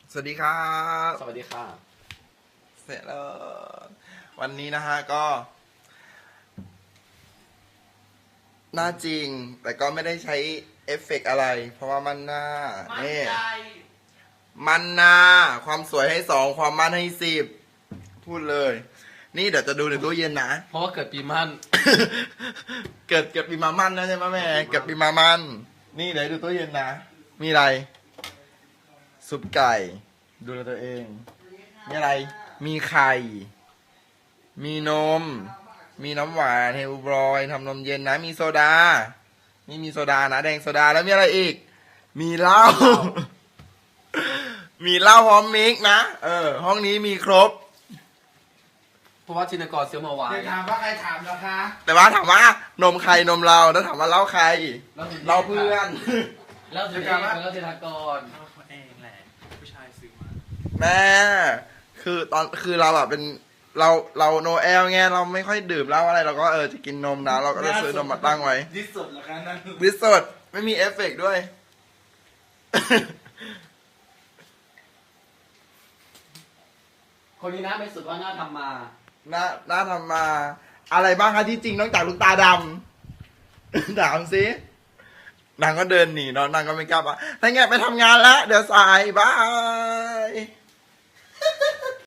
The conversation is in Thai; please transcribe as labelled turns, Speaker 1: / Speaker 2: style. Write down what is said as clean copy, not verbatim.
Speaker 1: สวัสดีครับ
Speaker 2: สวัสดีค่ะ
Speaker 1: เสร็จแล้ววันนี้นะฮะก็ หน้าจริง แต่ก็ไม่ได้ใช้เอฟเฟกต์อะไร เพราะว่ามันหน้านี่มันหน้าความสวยให้สองความมั่นให้สิบพูดเลย นี่เดี๋ยวจะดูในตู้เย็นนะ
Speaker 2: เพราะว่าเกิดปีมั่น
Speaker 1: เกิดปีมามันนะใช่ไหมแม่เกิดปีมามันนี่เดี๋ยวดูตู้เย็นนะ มีอะไร ซุปไก่ ดูแลตัวเอง มีอะไร มีไข่ มีนม มีน้ำหวานเฮลบรอยทำนมเย็นนะ มีโซดา นี่มีโซดานะแดงโซดาแล้วมีอะไรอีก มีเหล้า มีเหล้าพร้อมมิกนะ ห้องนี้มีครบ
Speaker 2: เพราะว่าชินกรซื้อมาไว้
Speaker 3: เดี๋ยวถามว่าใครถามเหรอคะ
Speaker 1: แต่ว่าถามว่านมใครนมเราแล้วถามว่าเหล้าใครเราเพื่อน
Speaker 2: แล้วชินกรแล้วชินกร
Speaker 3: เขาเองแหละผู้ชายซื้อมา
Speaker 1: แม่คือเราแบบเป็นเราโนแอลไงเราไม่ค่อยดื่มเหล้าอะไรเราก็จะกินนมนะเราก็จะซื้อนมมาตั้งไว้
Speaker 3: ที่สุดเหรอคะนั่น
Speaker 1: วิสดไม่มีเอฟเฟกต์ด้วย
Speaker 2: คนนี้นะเป็นสุดว่าน่าทำมา
Speaker 1: น่าทำมาอะไรบ้างคะที่จริงนอกจากลูกตาดำ ถามสินางก็เดินหนีเนาะนางก็ไม่กล้าว่าถ้าไงไปทำงานแล้ว เดี๋ยวสายบาย